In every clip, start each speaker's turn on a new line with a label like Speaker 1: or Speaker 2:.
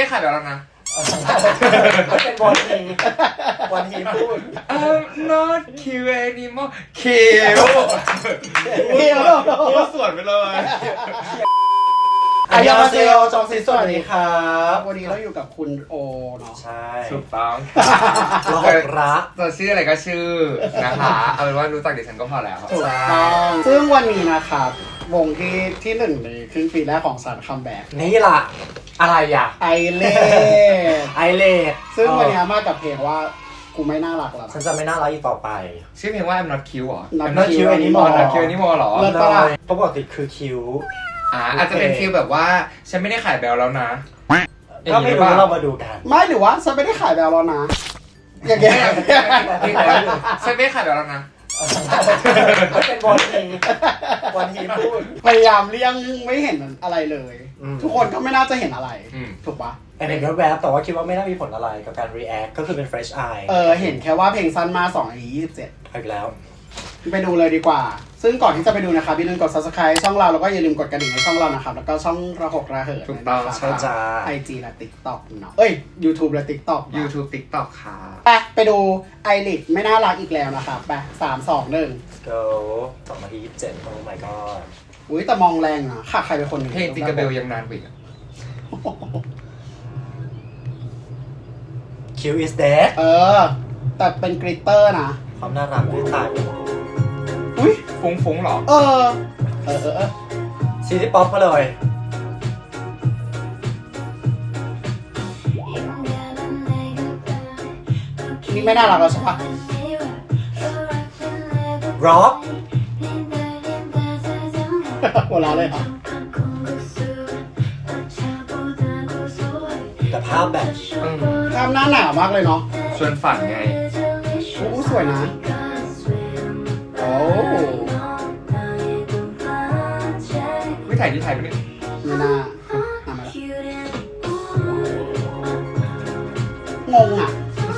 Speaker 1: ไม่ขายแบบแล้วนะ
Speaker 2: เป็นบอลทีพูด
Speaker 1: I'm not cute anymore คิวพูดสวนไปเลย
Speaker 2: อายามาเซโอจองซีสวัสดีครับวันนี้เราอยู่กับคุณโอเนาะ
Speaker 3: ใช่
Speaker 1: ถูกต้อง
Speaker 3: เรารัก
Speaker 1: จะชื่ออะไรก็ชื่อนะคะเอาเป็นว่ารู้จักดิฉันก็พอแล้ว
Speaker 2: ถูกต้องซึ่งวันนี้นะครับวงที่หนึ่งในครึ่งปีแรกของสารคัมแบ็ก
Speaker 3: นี่ล่ะอะไรอ่ะ
Speaker 2: ไอเลดซึ่งวันนี้มากับเพลงว่ากูไม่น่ารักแล้ว
Speaker 3: ฉันจะไม่น่ารักอีกต่อไป
Speaker 1: ชื่อเพลงว่า I'm not cute หรอ
Speaker 3: not cute anymore
Speaker 1: not cute anymore หรอ
Speaker 2: เลิศปะล่ะ
Speaker 3: ปกติคือคิว
Speaker 1: อาจจะเป็นฟีลแบบว่าฉันไม่ได้ขายแบลแล้วนะ
Speaker 3: ก็ไม่รู้เรามาดูกัน
Speaker 2: ไม่หรือว่าฉันไม่ได้ขายแบลแล้วนะอย่างเงี้ย
Speaker 1: ฉันไม่ได้ขายแบลแล้วนะ
Speaker 3: เป็นบอลทีพูด
Speaker 2: พยายามเลี่ยงไม่เห็นอะไรเลยทุกคนก็ไม่น่าจะเห็นอะไรถูกปะ
Speaker 3: เห็นแวบๆแต่ว่าคิดว่าไม่น่ามีผลอะไรกับการ react ก็คือเป็น fresh eye
Speaker 2: เห็นแค่ว่าเพลงสั้นมา2 นาที 27
Speaker 3: อีกแล้ว
Speaker 2: ไปดูเลยดีกว่าซึ่งก่อนที่จะไปดูนะครับอย่าลืมกด subscribe ช่องเราแล้วก็อย่าลืมกดกระดิ่งในช่องเรานะครับแล้วก็ช่องระหกระเหิด
Speaker 1: ถูกต้อง
Speaker 2: ใช่จ้า IG และ TikTok เนาะYouTube และ TikTok
Speaker 1: YouTube TikTok ค่ะ
Speaker 2: ไปดูไอริดไม่น่ารักอีกแล้วนะครับไป3 2 1
Speaker 3: go 2 นาที 27 oh my god
Speaker 2: อุ้ยแต่มองแรงนะขาดใครเป็นคนหนึ่ง
Speaker 1: เพลงจิงกระเบลยังนานกว่าอีก
Speaker 3: Q is dead
Speaker 2: แต่เป็นกริตเตอร์นะ
Speaker 3: ความน่ารักด้วยถ่าย
Speaker 2: อุ้ย
Speaker 1: ฟุ้งหรอ
Speaker 3: ซีรีส์ป๊อปมาเลย
Speaker 2: นี่ไม่น่ารักแล้วใช่ปะ
Speaker 3: ร็อก
Speaker 2: หัวเราะเลยครับ
Speaker 3: แต่ภาพแบบ
Speaker 2: ภาพหน้าหนาวมากเลยเนาะ
Speaker 1: ชวนฝันไง
Speaker 2: สวยนะโอ้
Speaker 1: ไม่ถ่ายที่ไทยปะเนี่ย
Speaker 2: ไม่น่ามาแล้วงงอ่ะ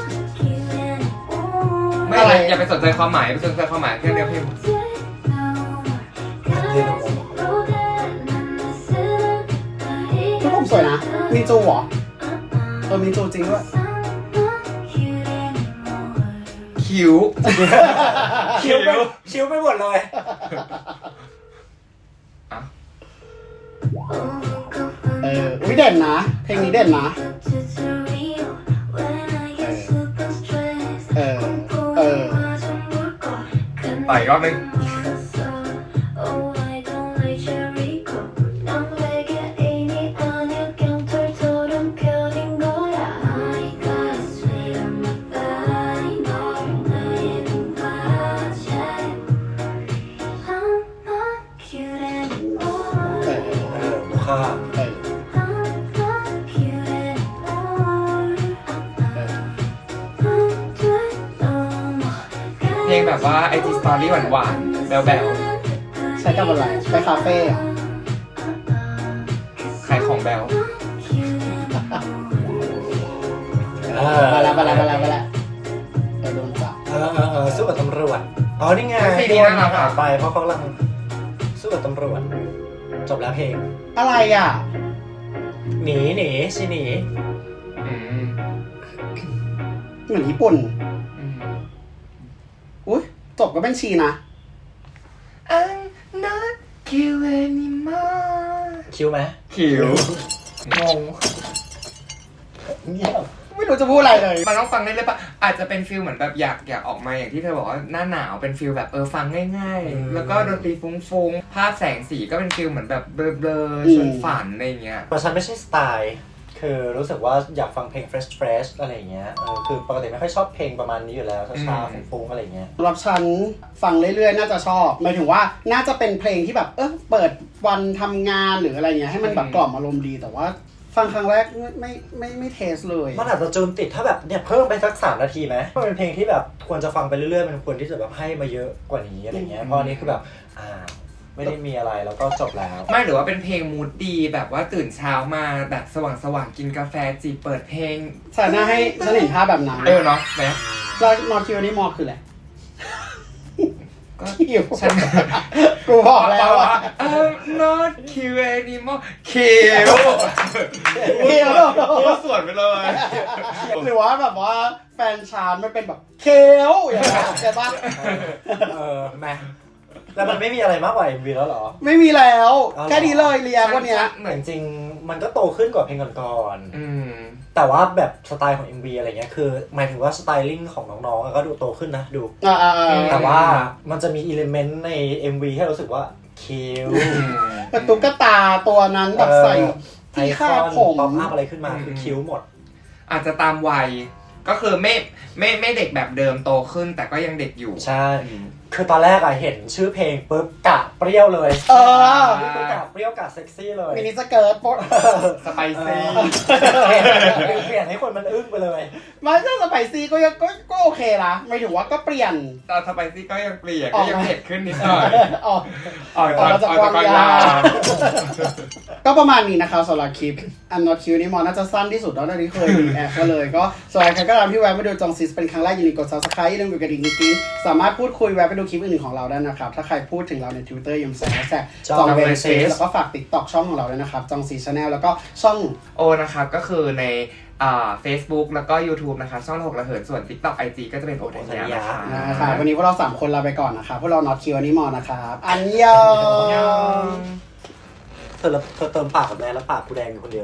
Speaker 1: ไม่อะไรอย่าไปสนใจความหมายไปสนใจความหมายแค่เนื้อเพลง
Speaker 2: ทุกคนสวยนะมินจูเหรอมินจูจริงด้วย
Speaker 1: คิ้ว
Speaker 3: ไปหมดเลย
Speaker 2: อุ้ยเด่นนะเพลงนี้เด่นนะ
Speaker 1: ต่ออีกรอบนึงเพลงแบบว่า IG Story หวานๆแบล
Speaker 2: ใช้กับอะไรไปคาเฟ่
Speaker 1: ขายของแบล
Speaker 2: มาแล้วโดนจับ
Speaker 3: สู้กับตำรวจนี่ไง
Speaker 1: ที่นั่นเรา
Speaker 3: ผ่านไปเพราะเขากำลังสู้กับตำรวจจบแล้วเพลง
Speaker 2: อะไรอ่ะ
Speaker 3: หนีสิหนี
Speaker 2: เหมือนญี่ปุ่นอุ้ยจบก็เป็นชีนะ
Speaker 1: I'm not cute anymore
Speaker 3: คิวไหม
Speaker 1: คิวงง
Speaker 2: ไม่รู้จะพูดอะไรเลย
Speaker 1: มันต้องฟังได้เลยปะอาจจะเป็นฟิลเหมือนแบบอยากออกมาอย่างที่เธอบอกว่าหน้าหนาวเป็นฟิลแบบฟังง่ายๆแล้วก็ดนตรีฟุ้งๆภาพแสงสีก็เป็นฟิลเหมือนแบบเบลอๆชวนฝันอะไรเงี้ย
Speaker 3: เพราะฉันไม่ใช่สไตล์คือรู้สึกว่าอยากฟังเพลง fresh อะไรเงี้ยคือปกติไม่ค่อยชอบเพลงประมาณนี้อยู่แล้วช้าๆฟุ้งๆอะไรเงี้ย
Speaker 2: สำหรับฉันฟังเรื่อยๆน่าจะชอบหมายถึงว่าน่าจะเป็นเพลงที่แบบเปิดวันทำงานหรืออะไรเงี้ยให้มันแบบกล่อมอารมณ์ดีแต่ว่าฟังครั้งแรกไม่เทสเลย
Speaker 3: มันอาจจะจูนติดถ้าแบบเนี่ยเพิ่มไปสัก3 นาทีไหมมันเป็นเพลงที่แบบควรจะฟังไปเรื่อยๆมันควรที่จะแบบให้มาเยอะกว่านี้อะไรเงี้ยเพราะอันนี้คือแบบไม่ได้มีอะไรแล้วก็จบแล้ว
Speaker 1: ไม่หรือว่าเป็นเพลงมูดดีแบบว่าตื่นเช้ามาแบบสว่างกินกาแฟจีเปิดเพลง
Speaker 2: ฉันน่าให้ฉันเห็นภาพแบบนั้น
Speaker 1: เนาะแม่
Speaker 2: แล้วนอคิวนี่มอคืออะไร
Speaker 1: ก็
Speaker 2: คิว
Speaker 1: ฉัน
Speaker 2: กูบอกแล้วว่า
Speaker 1: I'm not cute anymore คิว
Speaker 2: คิว
Speaker 1: พูดสวนไปเลย
Speaker 2: หรือว่าแบบว่าแฟนชานมันเป็นแบบเคลอย่างเงี้ยใช่ปะ
Speaker 3: แม่แล้วมันไม่มีอะไรมากกว่า MV แล้วเหรอ
Speaker 2: ไม่มีแล้ว
Speaker 3: เอาเหรอ
Speaker 2: แค่นี้เลยเรียกวันเนี้ย
Speaker 3: เหมือนจริงๆมันก็โตขึ้นกว่าเพลงก่อน
Speaker 1: อืม
Speaker 3: ๆแต่ว่าแบบสไตล์ของ MV อะไรเงี้ยคือหมายถึงว่าสไตลิ่งของน้องๆก็ดูโตขึ้นนะดู แต่ว่ามันจะมีอิเลเมนต์ใน MV ให้รู้สึกว่าคิว
Speaker 2: แต่ตุ๊กตาตัวนั้นแบบใส่ที่คาดผม
Speaker 3: ป๊อปอัพอะไรขึ้นมาคือคิ้วหมด
Speaker 1: อาจจะตามวัยก็คือไม่เด็กแบบเดิมโตขึ้นแต่ก็ยังเด็กอยู่
Speaker 3: ใช่ คือตอนแรกอะเห็นชื่อเพลงปุ๊บกะเปรี้ยวเลย คือกะเปรี้ยวกะเซ็กซี่เลย
Speaker 2: มินิสเกิร์ตโป๊ะ
Speaker 1: สไปซี่
Speaker 3: เปลี่ยนให้คนมันอึ้งไปเลย
Speaker 2: มันก็สไปซี่ก็ยังก็โอเคนะไม่ถึงว่าก็เปลี่ยน
Speaker 1: ตอนสไปซี่ก็ยังเปลี่ยน
Speaker 2: อ
Speaker 1: ก็
Speaker 2: อก
Speaker 1: ยังเผ็ดขึ้นนิดหน่อย
Speaker 2: ออก
Speaker 1: ออก
Speaker 2: มาจาก
Speaker 1: ออก
Speaker 2: วาง
Speaker 1: จาก
Speaker 2: ยา
Speaker 1: ยา
Speaker 2: ก็ประมาณนี้นะคะสำหรับคลิป I'm not cute นี่มอน่าจะสั้นที่สุดแล้วที่เคยมีแอปก็เลยก็สำหรับใครก็ตามที่แวะมาดูจองซิสเป็นครั้งแรกอย่าลืมกด subscribe อย่าลืมกดกระดิ่งกิ๊งสามารถพูดคุยแวะไปดูคลิปอื่นๆของเราได้นะครับ ถ้าใครพูดถึงเราใน Twitter อย่าลืมใส่แฮชแท็กจองเวรเซสแล้วก็ฝาก TikTok ช่องของเราด้วยนะครับจองซีชาแนลแล้วก็ช่อง
Speaker 1: โอนะครับก็คือในFacebook แล้วก็ YouTube นะคะช่อง6ระเหินส่วน TikTok IG ก็จะเป็นโอทัญญานะคะ
Speaker 2: นะครับวันนี้พวกเรา 3 คนลาไปก่อนนะครับพวกเรา not cute นี่มอนะครับอันยอง
Speaker 3: เธอเติมปากกับแม่แล้วปากกูแดงอยู่คนเดียว